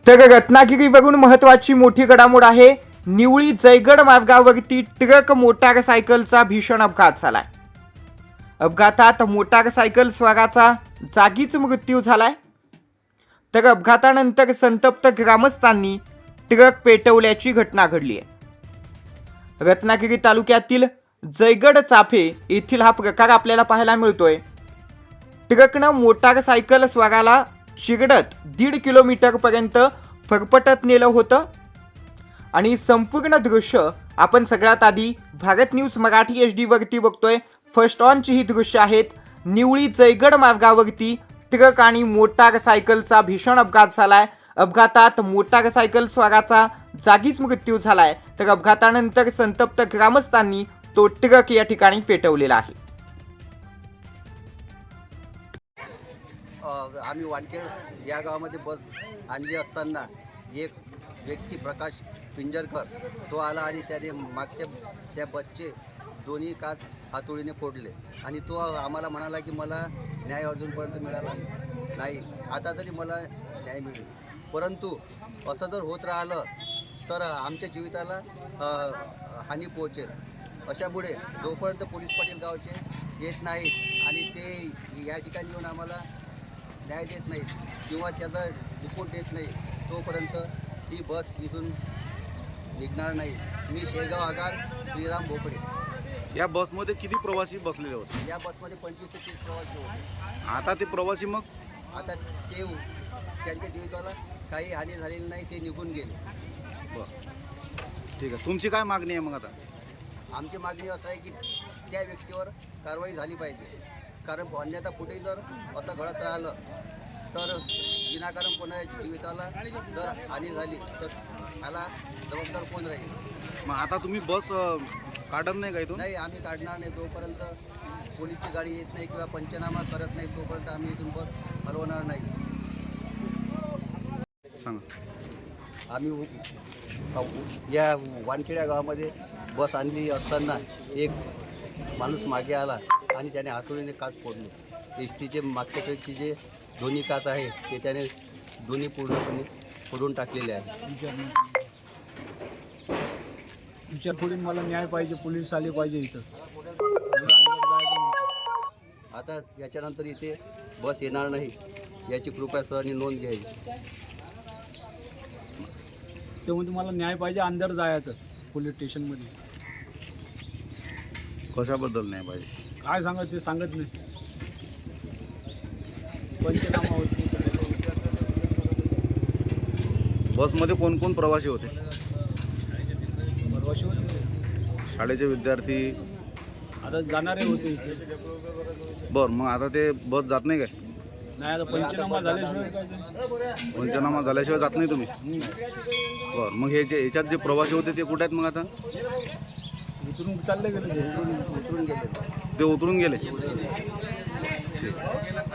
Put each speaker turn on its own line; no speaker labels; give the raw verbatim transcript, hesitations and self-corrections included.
तर रत्नागिरीवरून महत्त्वाची मोठी घडामोड आहे। निवळी जयगड मार्गावरती ट्रक मोटारसायकलचा भीषण अपघात झालाय। अपघातात मोटारसायकल स्वाराचा जागीच मृत्यू झालाय। तर अपघातानंतर संतप्त ग्रामस्थांनी ट्रक पेटवल्याची घटना घडली आहे। रत्नागिरी तालुक्यातील जयगड चाफे येथील हा प्रकार आपल्याला पाहायला मिळतोय। ट्रकनं मोटारसायकल स्वाराला शिरडत दीड किलोमीटर पर्यंत फरफटत नेलं होतं आणि संपूर्ण दृश्य आपण सगळ्यात आधी Bharat news Marathi H D वरती बघतोय। फर्स्ट ऑनची ही दृश्य आहेत। निवळी जयगड मार्गावरती ट्रक आणि मोटारसायकलचा भीषण अपघात झालाय। अपघातात मोटारसायकल स्वाराचा जागीच मृत्यू झालाय। तर अपघातानंतर संतप्त ग्रामस्थांनी तो ट्रक या ठिकाणी पेटवलेला आहे।
आम्ही वानखेड या गावामध्ये बस आणली असताना एक व्यक्ती प्रकाश पिंजरकर तो आला आणि त्याने मागच्या त्या बसचे दोन्ही काच हातोडीने फोडले आणि तो आम्हाला म्हणाला की मला न्याय अजूनपर्यंत मिळाला नाही, आता तरी मला न्याय मिळेल। परंतु असं जर होत राहिलं तर आमच्या जीविताला हानी पोहोचेल। अशामुळे जोपर्यंत पोलीस पाटील गावचे येत नाहीत आणि ते या ठिकाणी येऊन आम्हाला न्याय देत नाहीत किंवा त्याचा रिपोर्ट देत नाही तोपर्यंत ही बस इथून निघणार नाही। मी शेगाव आगार श्रीराम भोपडे।
या बसमध्ये किती प्रवासी बसलेले होते?
या बसमध्ये पंचवीस ते तीस प्रवासी होते।
आता ते प्रवासी मग
आता ते त्यांच्या जीविताला काही हानी झालेली नाही, ते निघून गेले।
बरं, ठीक आहे। तुमची काय मागणी आहे मग आता?
आमची मागणी असं आहे की त्या व्यक्तीवर कारवाई झाली पाहिजे, कारण अन्यथा पुढे जर असं घडत राहिलं तर विनाकारण कोणाच्या जीविताला जर हानी झाली तर त्याला जबाबदार कोण राहील?
मग आता तुम्ही बस काढत नाही का इथून?
नाही, आम्ही काढणार नाही। जोपर्यंत पोलीसची गाडी येत नाही किंवा पंचनामा करत नाही तोपर्यंत आम्ही इथून बस हलवणार नाही।
सांगा।
आम्ही या वानखेड्या गावामध्ये बस आणली असताना एक माणूस मागे आला आणि त्याने हातोडीने काच फोडले। एस टीचे मागच्या साईडचे जे दोन्ही काच आहे ते त्याने दोन्ही पूर्णपणे फोडून टाकलेले आहे।
विचार करून मला न्याय पाहिजे, पोलीस आले पाहिजे इथं।
आता याच्यानंतर इथे बस येणार नाही याची कृपया सरांनी नोंद घ्यावी।
ते म्हणजे मला न्याय पाहिजे, अंदर जायचं पोलीस स्टेशनमध्ये।
कशाबद्दल नाही पाहिजे
काय सांगत ते सांगत नाही, पंचनामा होत नाही।
बसमध्ये कोण कोण प्रवासी होते?
परवाशी होते,
शाळेचे विद्यार्थी
आता जाणारे होते इथे।
बरं, मग आता ते बस जात नाही काय?
नाही, आता पंचनामा झाल्याशिवाय काय ते?
पंचनामा झाल्याशिवाय जात नाही तुम्ही? बरं, मग हे जे याच्यात जे प्रवासी होते ते कुठे आहेत मग आता?
उतरून चालले गेले ते।
उतरून गेले
ते उतरून गेले?
ठीक.